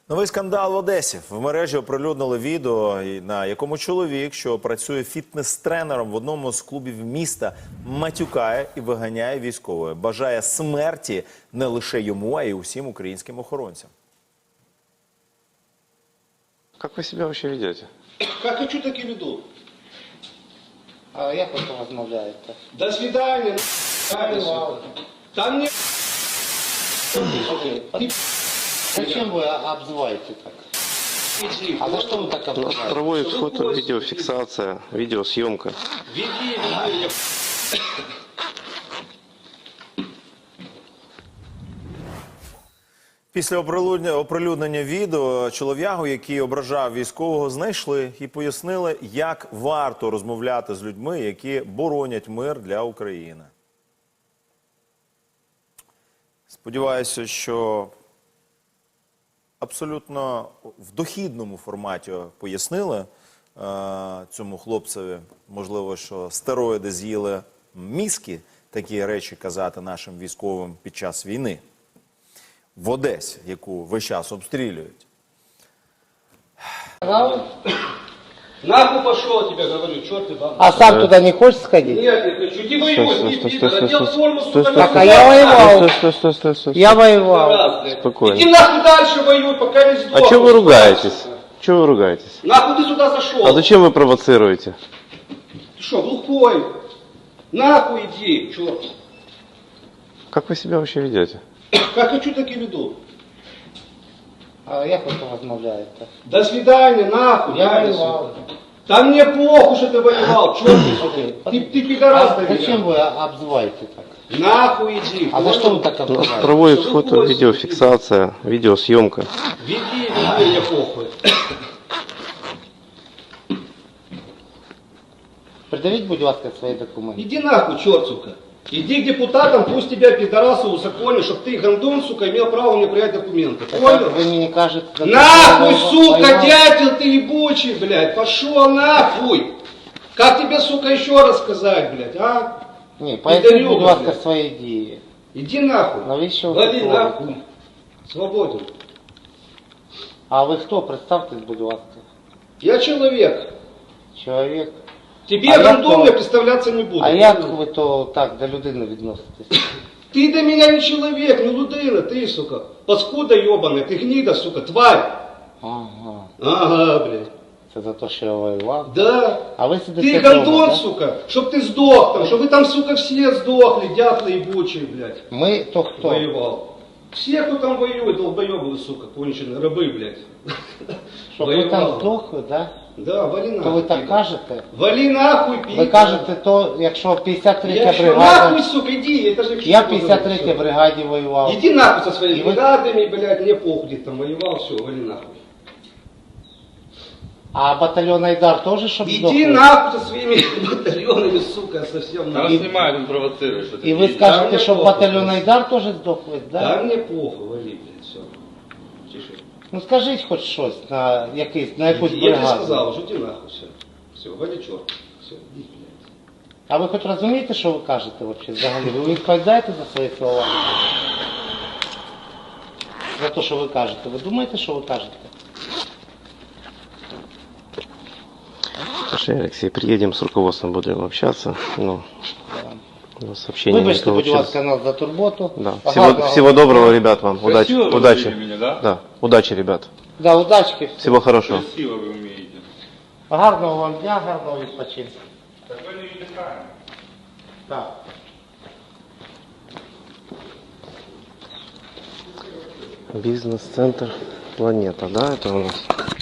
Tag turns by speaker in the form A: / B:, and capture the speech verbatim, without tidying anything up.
A: Новий скандал в Одесі. В мережі оприлюднили відео, на якому чоловік, що працює фітнес-тренером в одному з клубів міста, матюкає і виганяє військових. Бажає смерті не лише йому, а й усім українським охоронцям.
B: Как вы себя вообще ведете?
C: Как хочу, так и веду.
D: А як ви розмовляєте?
C: До свидания. Там не...
D: Зачем ви обзиваєте так?
C: Иди.
D: А за що ви так
B: У нас
D: обзиваєте?
B: проводит фото, видеофиксация, видеосъемка.
C: Веди, веди. я-
A: Після оприлюднення, оприлюднення відео чолов'ягу, який ображав військового, знайшли і пояснили, як варто розмовляти з людьми, які боронять мир для України. Сподіваюся, що абсолютно в дохідному форматі пояснили е, цьому хлопцеві. Можливо, що стероїди з'їли мізки, такі речі казати нашим військовим під час війни. В Одесі, яку весь час обстрілюють.
C: Нахуй пошел, тебе говорю, черт ты баба.
D: А сам туди не хочеш сходити?
C: Нет, не хочу. Иди воюй,
B: Стой,
C: иди,
B: стой,
C: иди,
B: стой, стой,
C: надел
B: стой,
C: форму,
B: стой,
C: сука,
B: стой,
C: на
D: Так, а
C: хуй.
D: я воевал.
B: Стой, стой, стой, стой,
D: Я
B: стой.
D: воював.
C: Раз, блядь.
B: Спокойно.
C: Иди нахуй дальше воюй, пока не сдохнешь.
B: А чего вы ругаетесь? Чего вы ругаетесь?
C: Нахуй ты сюда зашел?
B: А зачем вы провоцируете?
C: Ты что, глухой? Нахуй иди, черт.
B: Как вы себя вообще ведете?
C: Как хочу, так и веду.
D: А як ви розмовляєте?
C: До свидания, нахуй.
D: Я
C: дальше.
D: воевал.
C: Да мне похуй, что ты воевал, черт ты, сука. Ты, ты пидорас,
D: А
C: ты
D: зачем
C: меня.
D: ви обзиваєте так?
C: Нахуй иди.
D: А за що ви так
B: У нас
D: обзиваєте?
B: проводит фото, видеофиксация, видеосъемка.
C: Веди, веди, мне похуй.
D: Придавіть, будь ласка, свої документи.
C: Иди нахуй, черт, сука. Иди к депутатам, пусть тебя пидорасы узаконят, чтобы ты, гандон, сука, имел право мне принять документы.
D: Так
C: Понял?
D: ви мені кажете... за те,
C: Нахуй,
D: що я
C: сука,
D: воював.
C: дятел ты ебучий, блядь. Пошел нахуй. Как тебе, сука, еще раз сказать, блядь, а?
D: Ні, поясніть,
C: Підарюга,
D: будь ласка,
C: блядь.
D: свої дії.
C: Иди нахуй.
D: Навіщо ви
C: Вали
D: так
C: нахуй.
D: робите?
C: Свободен.
D: А ви хто? Представтесь, будь ласка.
C: Я человек.
D: Чоловік.
C: Тебе,
D: А я
C: гандон,
D: кто?
C: я представляться не буду.
D: А як ви то так до людини відноситесь?
C: Ты до меня не человек, не людина, ты, сука. Паскуда ебаная, ты гнида, сука, тварь.
D: Ага.
C: Ага, блядь.
D: Це за те, що я воював.
C: Да.
D: А ви сидите
C: Ты
D: вдома,
C: гандон,
D: да?
C: сука, чтоб ты сдох там, чтобы вы там, сука, все сдохли, дятлы ебучие, блядь.
D: Ми то хто?
C: Воевал. Все, кто там воюет, долбоебы, сука, конченые, рабы, блядь.
D: Щоб ви там здохли, да?
C: Да, вали нахуй.
D: То ви так
C: пидор.
D: кажете?
C: Вали нахуй, пидор.
D: Ви кажете, то якщо п'ятдесят
C: Я
D: третя
C: что,
D: бригада...
C: нахуй, сука, иди, это же...
D: Я в п'ятдесят третій бригаді воював.
C: Иди нахуй со своими
D: И вы-
C: бригадами, блядь, мне похуй, где ты там воевал, все, вали нахуй.
D: А батальйон Айдар теж щоб
C: Иди
D: здохли?
C: нахуй со своими батальонами, сука, совсем
E: Там
C: нахуй.
E: снимает, он провоцирует. Что
D: І ви
C: Да,
D: скажете,
C: мне
D: щоб
C: похуй.
D: батальйон Айдар теж здохли,
C: Да
D: да?
C: мне похуй, вали, блядь, все. Тише.
D: Ну скажіть хоч щось на якийсь, на якусь
C: Я тебе
D: бригаду.
C: сказал, уже иди нахуй, все. Все, вали черт. Все, иди, блядь.
D: А ви хоч розумієте, що ви кажете вообще взагалі? Ви відповідаєте за свої слова? За те, що ви кажете. Ви думаєте, що ви кажете?
B: Слушай, Алексей, приедем с руководством, будем общаться. Ну, у нас сообщение не
D: Вибачте, будь
B: получилось.
D: ласка, нас за турботу.
B: Да.
D: Ага,
B: Всего,
D: да.
B: всего доброго, ребят, вам. Удачи.
E: Красиво вы
B: Удачи.
E: говорили меня, да?
B: Да, удачи, ребят.
D: Да, удачки.
B: Всего хорошего.
E: Красиво вы умеете.
D: Гарного вам дня, гарного відпочинку.
E: Так вы не отдыхаем.
D: Так.
B: Бизнес-центр Планета, да, это у нас?